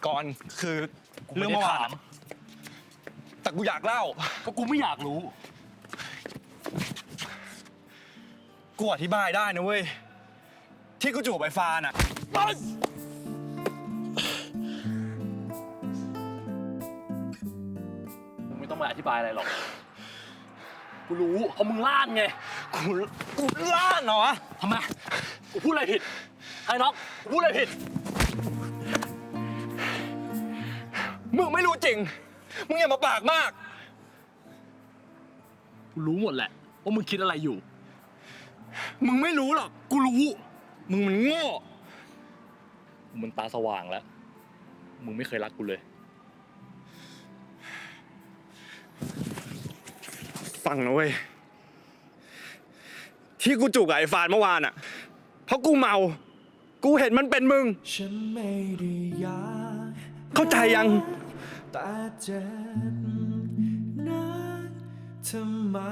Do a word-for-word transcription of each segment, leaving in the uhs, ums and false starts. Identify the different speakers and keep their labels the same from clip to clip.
Speaker 1: ก่อนคือเรื่องเมื่อวานแต่กูอยากเล่า
Speaker 2: ก็กูไม่อยากรู้
Speaker 1: กูอธิบายได้นะเว้ยที่กูจูบไอ้ฟานอ่ะ
Speaker 2: มึงไม่ต้องมาอธิบายอะไรหรอกกูรู้เพราะมึงล่านไง
Speaker 1: กูกูล่านเหรอวะ
Speaker 2: ทำไมกูพูดอะไรผิดไอ้น็อกกูพูดอะไรผิด
Speaker 1: มึงไม่รู้จริงมึงอย่ามาปากมาก
Speaker 2: กูรู้หมดแหละว่ามึงคิดอะไรอยู่
Speaker 1: มึงไม่รู้หรอกกูรู้มึงมันโง่
Speaker 2: มึงมันตาสว่างแล้วมึงไม่เคยรักกูเลย
Speaker 1: ฟังนะเว้ยที่กูจูบกับไอ้ฟานเมื่อวานอ่ะเพราะกูเมากูเห็นมันเป็นมึงฉันไม่ได้อยากเข้าใจยังแต่เจ็บนักทำไม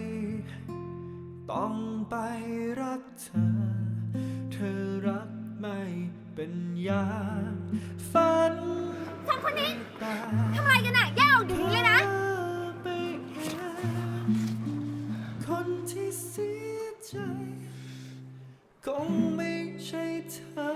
Speaker 1: ต้องไปรักเธอเธอรักไม่เป็นอย่างฝัน
Speaker 3: สองคนนี้ทำอะไรกันน่ะแยกออกเดี๋ยวนี้เลยนะ
Speaker 1: คนที่เสียใจคงไม่ใช่เธอ